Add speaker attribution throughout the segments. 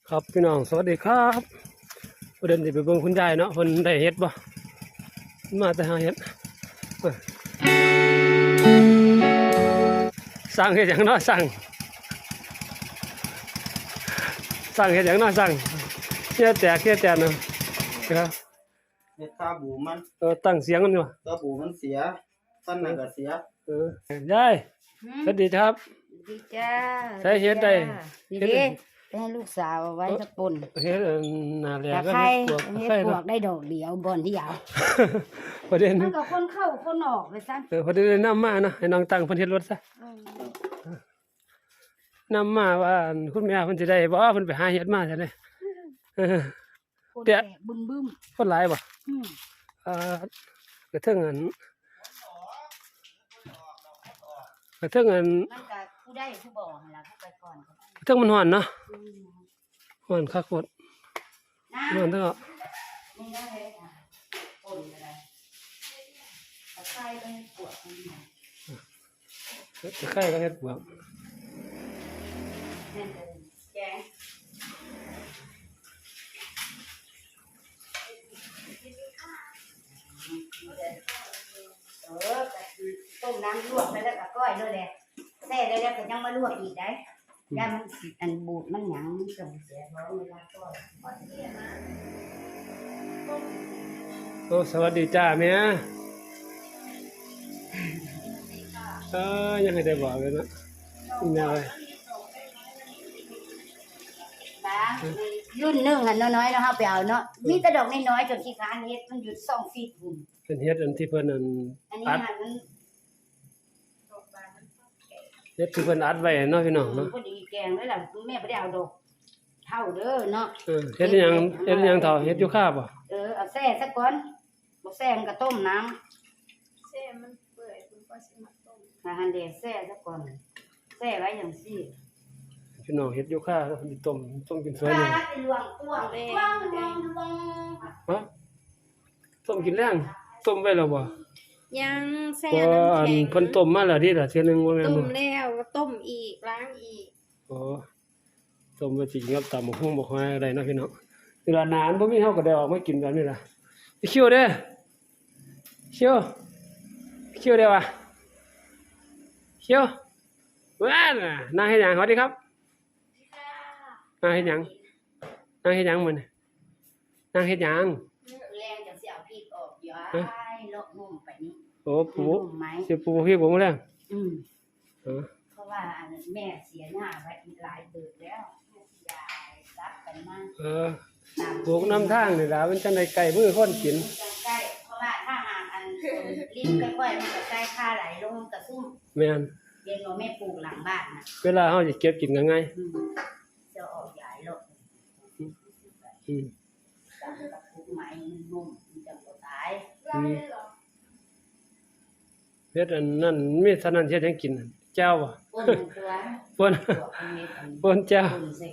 Speaker 1: ครับพี่น้องสวัสดีครับประเด็นที่ไปเบิ่งคุณยายเนาะเพิ่นได้เฮ็ดบ่มาแต่หาเฮ็ดสั่งเฮ็ดหยังเนาะสั่งเฮ็ดหยังเนาะสั่งเฮ็ดแต่เนาะครับ
Speaker 2: เฮ็ดตาบูมัน
Speaker 1: ตั้งเสียงมันอยู่
Speaker 2: ตาบูมันเสียฟันนั่นก็เสีย
Speaker 1: ยายสวัสดีครับ
Speaker 3: ดีจ้า
Speaker 1: ใช้เฮ็ดได้
Speaker 3: ดีไปให้ลูกสาวไว้สักปน
Speaker 1: เฮ็ดน่าแลก็
Speaker 3: เฮ็ดปวก
Speaker 1: เนาะ
Speaker 3: ได้ดอกเดียวบ่อนที่ยาว
Speaker 1: ประเด็น
Speaker 3: มันก็คนเข้าคนออกไปซะ
Speaker 1: พอได้นำมาเนาะให้น้องตั้งเพิ่นเฮ็ดรถซะนำมาว่าคุณแม่เพิ่นสิได้บ่เพิ่นไปหาเฮ็ดมาซะเด้
Speaker 3: คนแตกบึ้ม
Speaker 1: คนหลายบ่กระเทิงอัน
Speaker 3: มันก็ผู้ได้ผู้บ่หั่นล่ะผู้ไปก่อน
Speaker 1: กระเทิงมันฮ้อนเนาะฮ้อนคักโคตรฮ้อนเด้อ
Speaker 3: นี่นะเฮ็ดปนก็ได้ตะไคร้ก็ปวด
Speaker 1: ตะไคร้ก็เฮ็ดบวก
Speaker 3: แกงต้มน้ำลวกไปแล้วก็ก้อยด้วยแหละแซ่ได้แล้วก็ยังมาลวกอีกได้ย่ามันอันบูดมันหยังมันส่งเสียร้อนเวลาก้อย
Speaker 1: โอ้สวัสดีจ้าแม่ยังไม่ได้บอกเลยนะคุณแม่เลย
Speaker 3: รุ่นนึงอ่ะน้อยๆแล้วเฮาไปเอาเนาะมีแต่ดอกน้อยๆจนขี้ค้านเฮ็ดมันหยุด2ฟีตพุ่น
Speaker 1: เป็นเฮ็ดอันที่เพิ่นอัน
Speaker 3: อัด
Speaker 1: เฮ็ดที่เพิ่นอัดไว้เนาะพี่น้องเนาะ
Speaker 3: พอดีแกงเลยล่ะแม่บ่ได้เอาดอกเท่าเด้อเนาะ
Speaker 1: เฮ็ดหยังเท่าเฮ็ดอยู่คาบ่
Speaker 3: เอาแซ่ซะก่อนบ่แซ่มันก็ต้มน้ำแซ่มันเปื่อยคุณก็สิมาต้มหั่นเด้แซ่ซะก่อนแซ่ไว้จังซี่
Speaker 1: พี่น้องเฮ็ดอยู่คาแล้วสิต้มกินสวยเลย
Speaker 3: ลวงต้วง
Speaker 1: ฮะต้มกินแรงต้มไว้แล้วบ่
Speaker 4: ยังแซ่
Speaker 1: น้ำแข็งเพิ่นต้มมาแล้วทีละเทื่อนึงบ่แม่นบ่
Speaker 4: ต้มแล้วต้มอีกล้างอีก
Speaker 1: ต้มไว้สิกับตำบักหุ่งบ่ค่อยได้เนาะพี่น้องเวลานานบ่มีเฮาก็ได้ออกมากินแบบนี้ล่ะคิวเด้อคิวเด้อว่ะคิวว้าน่ะนางเฮ็ดหยังสวัสดีครับนางเฮ็ดหยังมื้อนี้นางเฮ็ดหยัง
Speaker 3: แรงจังสิเอาพริกออกย้ายเลาะนุ่มไปนี่
Speaker 1: โอ้ปูสิปูพริกบ่มื้อแรง
Speaker 3: เพราะว่าแม่เสียหน้าไว้หลายเบิดแล้วแม่สิยายรับกันมา
Speaker 1: ปลูกน้ำทางนี่ล่ะมันจังได๋ไก่มือคนกิน
Speaker 3: ใกล้เพราะว่าถ้าหากลิ้นค่อยๆมันก็ใกล้ค่าไหลลงกระซุ่ม
Speaker 1: แม่น
Speaker 3: เรียนว่าแม่ปลูกหลังบ้านน่ะ
Speaker 1: เวลาเฮาสิเก็บกินก็ง่าย
Speaker 3: จะออกใหญ่ลงกับปลูกไม้นุ่มมันจะบ่ตาย
Speaker 1: เฮ็ดอันนั้นมีเท่านั้นเฮ็ดหยังกินแจ่วบ่ป่นแจ่ว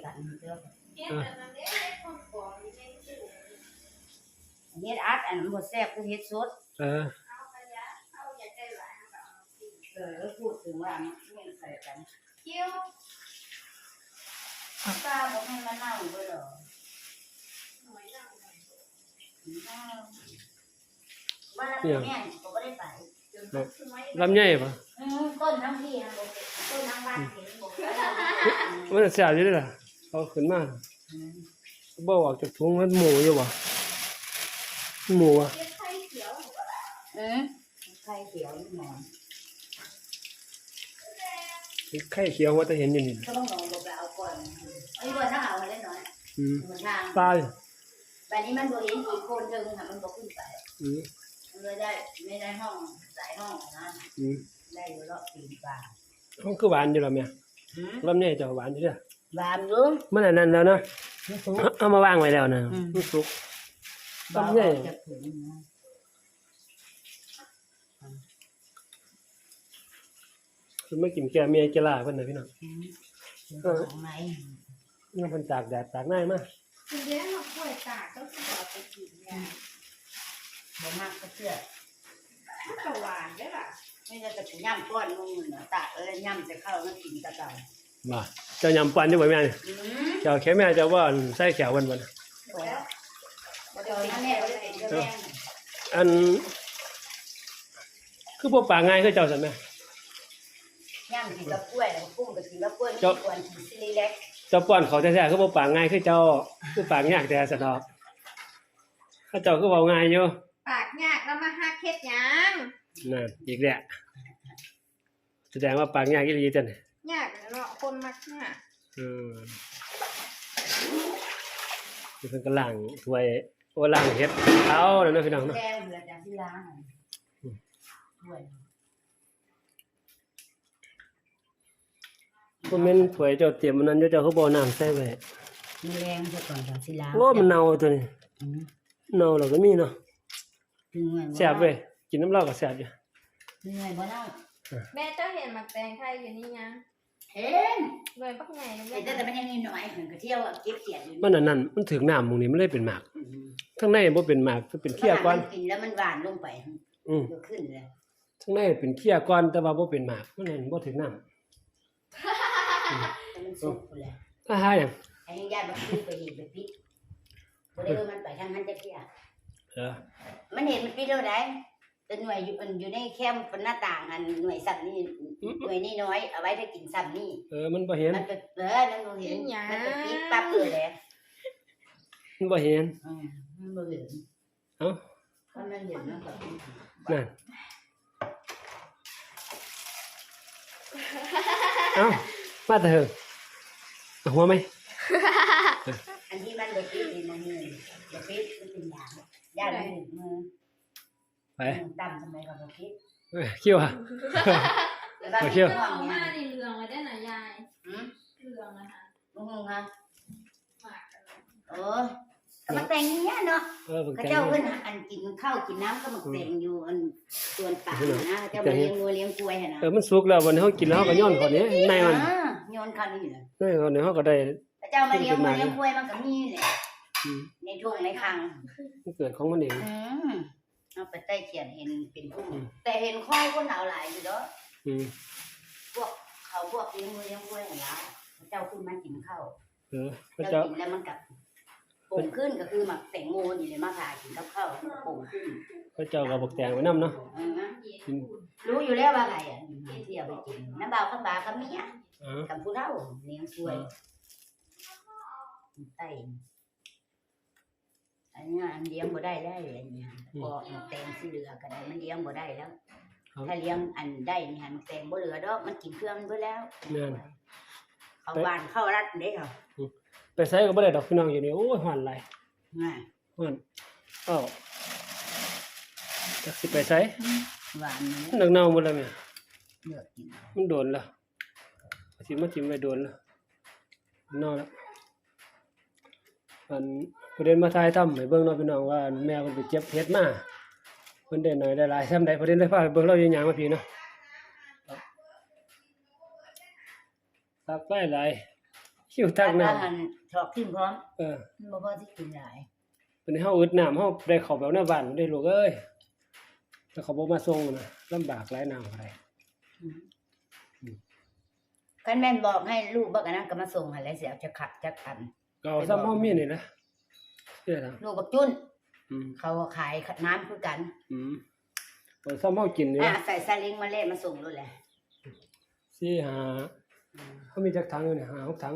Speaker 3: เฮ็ดอัดอันบ่แซ่บคือเฮ็ดสดพูดถึงว่ามันใส่กันเกี่ยวปลาบ่ให้มันเน่าเบิดหรอว่าแล้วแม่ก็บ่ได้ไป
Speaker 1: ลำไยป่ะ
Speaker 3: ต้นทั้งพี่ต้นทั้งบ้านเห็นบ่
Speaker 1: มันแซ่บอยู่เด้อล่ะเอาขึ้นมาบ่ออกจากถุงมันหมูอยู่บ่หมูอ่ะ
Speaker 3: ไข่เขียวไข่เขียวหมอน
Speaker 1: ไข่เขียวว่าจะเห็นอยู่นี่
Speaker 3: ก็ต้องลองไปเอาก่อนอันนี้ว่าถ้าเอามาเล่นน้อย
Speaker 1: ตาย
Speaker 3: แบบนี้มันบ่เห็นอีกคนนึงค่ะมันบ่ขึ้นไปมันเลยได้ไม่ได้ห้องสายห้องนะได้อยู่รอบ4 บาท
Speaker 1: ห้องคือหวานอยู่แล้วแม่ลำไยจะหวานอยู่เด้อ
Speaker 3: หวานอยู่
Speaker 1: มันอันนั้นแล้วเนาะเอามาวางไว้แล้วนะมันสุกลำไยคือไม่กินแกเมียแกลาเพิ่นน่ะพี่น้องนี่เพิ่นตากแดดตากหน้ามา
Speaker 4: คุณเด้อมาป่วยตากต้องสิเอาไปกินเนี่ย
Speaker 3: บ่มากก็เชื่อ
Speaker 4: มันก็หวานเด้อล่ะ
Speaker 3: ไม่ได้แต่ย่ำก้อนมึงน่ะตากแล้วย่ำจะเข้ามันกินตะเก่า
Speaker 1: บ่เจ้ายำปันอยู่บ่แม่นี่
Speaker 3: อืม
Speaker 1: เจ้าแค่แม่เจ้าว่าใส่แขววันบ่นะ
Speaker 3: แล้วบ่ได้เอาแม่บ่ได้เป็นเจ้าแม่
Speaker 1: อันคือบ่ปากง่ายคือเจ้าซั่นแม่
Speaker 3: ย่างกินกับกล้วยแล้วกุ้งก็กินกับกล้วยมีกวนกินซิลิเล็ก
Speaker 1: เจ้าป้อนเขาแท้ๆคือบ่ปากง่ายคือเจ้าคือปากยากแต่สะดอกถ้าเจ้าคือเว้าง่ายอยู่
Speaker 4: ปากยากแล้วมาหักเฮ็ดหยัง
Speaker 1: นั่นอีกแล้วแสดงว่าปากยากอีหลีจัง
Speaker 4: ยากเนาะคนมักยาก
Speaker 1: นี่เพิ่นก็ล้างถ้วยโอ้ล้างเฮ็ดเอาแล้วเนาะพี่น้องเนาะ
Speaker 3: แกงเหลือจากที่ล้างถ้วย
Speaker 1: บ่แม่นถ้วยเจ้าเตรียมมันนั้นอยู่เจ้าคือบ่เอาน้ำใส่ไว้
Speaker 3: มีแรงซะก่อนจากที่ล้าง
Speaker 1: โอ้มันเน่าตัวนี้
Speaker 3: อืม
Speaker 1: เน่าแล้วก็มีเนาะ
Speaker 3: ถึงหน่วยบ่
Speaker 1: แซ่บเว้ยกินน้ำเหล้าก็แซ่บอยู่
Speaker 3: ถึงหน่วยบ่เล่า
Speaker 4: แม่เจ้าเห็นหมักแตงไทยอยู่นี่ยัง
Speaker 3: เห็น
Speaker 4: หน่วยปักใหญ่เลย
Speaker 3: เห็นแต่มันยังน้อยๆถึงก็เที่ยวเก็บเขียดอยู่
Speaker 1: มันอันนั้นมันถึงน้ำหม้องนี้มันเลยเป็นหมากข้างในบ่เป็นหมากมันเป็นเขี้ยก่อน
Speaker 3: กินแล้วมันหวานลงไป
Speaker 1: อือ
Speaker 3: ก็ขึ้นเลย
Speaker 1: ข้างในเป็นเขี้ยก่อนแต่ว่าบ่เป็นหมากมันนั่นบ่ถึงน้ำ
Speaker 3: แต่มันสุกพุ่นแหละ
Speaker 1: ถ้าหาหยัง
Speaker 3: ไอ้ญาติบ่ขึ้นไปเห็นไปปิดบ่ได้ว่ามันไปทางนั้นจักเที่ย
Speaker 1: เออ
Speaker 3: มันเห็นมันปิดแล้วได้แต่หน่วยอยู่ในแคมป์หน้าต่างอันหน่วยสัตว์นี่หน่วยนี่น้อยเอาไว้ถ้ากินซ้ำนี่
Speaker 1: มันบ่เห็น
Speaker 3: มันก็นั่นบ่เห็นมันก็ปิดปั๊บเลยแหละ
Speaker 1: มันบ่เห็น
Speaker 3: มันบ่เห็น
Speaker 1: เอ้า
Speaker 3: มันเห็นมันก็
Speaker 1: นั่นเอ้ามาแต่เถอะเอาหัวไหม
Speaker 3: อันที่มันบ่ปิดนี่นะนี่บ่ปิดมันเป็นยามันมือ
Speaker 1: ไป
Speaker 3: ต่ำทำไมก็บ่ปิด
Speaker 1: เขี้ยวอ่ะ
Speaker 3: โอ
Speaker 1: เค
Speaker 4: เอามาในเรืองเลยได้น่ะยาย
Speaker 3: หืม
Speaker 4: เรืองนะคะ
Speaker 3: บ่ฮู้ฮะ
Speaker 4: หมากกันเลย
Speaker 3: โอ้ก็มาแต่งอย่างเงี้ยเนาะ
Speaker 1: เพิ่ง
Speaker 3: เขา
Speaker 1: แต่ง
Speaker 3: เจ้าเพิ่นอันกินข้าวกินน้ำก็มาแต่งอยู่อันส่วนป่านะเจ้ามาเลี้ยงวัวเลี้ยงกล้วยหั่นน่ะ
Speaker 1: มันสุกแล้ววันนี้เฮากินแล้วเฮาก็ย้อนเขานี้ในมัน
Speaker 3: โยนข้าวนี่แหละ
Speaker 1: ในวันนี้เฮาก็ได้
Speaker 3: เจ้ามาเลี้ยงวัวเลี้ยงกล้วยมันก็มีแหละ
Speaker 1: อืม
Speaker 3: ในทุ่งในคลัง
Speaker 1: มันเกิดของมันเอง
Speaker 3: เอาไปใต้เขียนเห็นเป็นพุ่มแต่เห็นข้อยคนหนาวหลายอยู่เด้อ
Speaker 1: อืม
Speaker 3: พวกเขาพวกเลี้ยงวัวเลี้ยงกล้วยหั่นล่ะเจ้าขึ้นมากินข้าว
Speaker 1: พระ
Speaker 3: เจ้า
Speaker 1: เจ้า
Speaker 3: กินแล้วมันกับโป่งขึ้นก็คือหมักแตงโมนี่เลยมาทากินกับข้าวโป่งขึ้น
Speaker 1: พระเจ้าก็บอกแต่งไว้นํเนาะ กิน
Speaker 3: รู้อยู่แล้วว่าไงอ่ะที่เอาไปกินน้ำเบาข้าวบาข้าวเมีย
Speaker 1: อ๋อ
Speaker 3: กับผู้เฒ่าเลี้ยงกล้วยไตอันนี้อันเลี้ยงบ่ได้แล้วอันนี้พอแตงสิเหลือก็ได้มันเลี้ยงบ่ได้แล้ว ถ้าเลี้ยงอันได้นี่หันแตงบ่เหลือดอกมันกินเครื่องมันเบิดแล้ว
Speaker 1: นั่น
Speaker 3: เขาหวานเข้ารัดเด้เหรอ
Speaker 1: ไปใส่ก็บ่ได้ดอกพี่น้องอยู่นี่โอ้ยหวานหลาย
Speaker 3: ง่าย
Speaker 1: หวานอ้าวจักสิไปใส่
Speaker 3: หวานนี่
Speaker 1: มันเน่าหมดแล้วแม่
Speaker 3: เลือกกิน
Speaker 1: มันโดนแล้วสิมาจิ้มไว้โดนแล้วเน่าแล้วอันประเด็นมาถ่ายทำให้เบิ่งเนาะพี่น้องว่าแม่เพิ่นไปเก็บเห็ดมาเพิ่นได้น้อยได้หลายซำใดประเด็นเลยพาไปเบิ่งเราอย่างหยังมาพี่เนาะตักหลายๆคิวตักน้ำ
Speaker 3: หันชอกทิ่มพร้อม
Speaker 1: มัน
Speaker 3: บ่พอสิกินหลาย
Speaker 1: เป็นเฮาอึดน้ำเฮาได้เข้าแบบหน้าบ้านได้ลูกเอ้ยแต่เขาบ่มาส่งนะลำบากหลายน้ำอะไร
Speaker 3: คันแม่นบอกให้ลูกบักอันนั้นก็มาส่งให้แล้วสิเอาจะขัดจักอัน
Speaker 1: ก็เอาซ้ำเฮามีนี่แหละเด้อล่ะ
Speaker 3: ลูกบักจุ้น
Speaker 1: อืม
Speaker 3: เขาขายน้ำคือกัน
Speaker 1: เอาซ้ำเฮากินนี่
Speaker 3: ใส่ซาเล้งมาเล่มาส่งนู่นแหละ
Speaker 1: 4 5เฮามีจักถังอยู่นี่5 6ถัง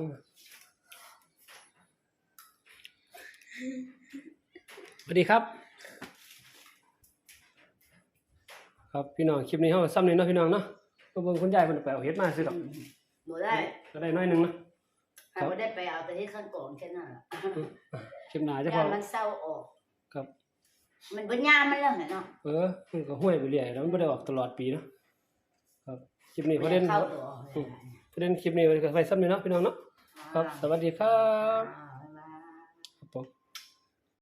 Speaker 1: สวัสดีครับ ครับพี่น้องคลิปนี้เฮาซ้ำนี่เนาะพี่น้องเนาะมาเบิ่งคุณยายเพิ่นไปเอาเฮ็ดมาซื้อดอก
Speaker 3: บ่ได้
Speaker 1: ก็ได้น้อยหนึงเนาะ
Speaker 3: ถ้าบ่ได้ไปเอาแต่ที่ข้างกองแค่นั้นล่ะ
Speaker 1: คลิปหน้าจะพ
Speaker 3: ยา
Speaker 1: อ
Speaker 3: มันเศร้าออก
Speaker 1: ครับ
Speaker 3: มันบ่ยามมันแล้วเนาะ
Speaker 1: มันก็ห้วยไปเรื่อยแล้วมันบ่ได้ออกตลอดปีเนาะครับคลิปนี้ประเด็น
Speaker 3: เข้าตัว
Speaker 1: ประเด็นคลิปนี้ก็ไว้ซ้ำนี่เนาะพี่น้องเนาะครับสวัสดีครับ
Speaker 3: อ่า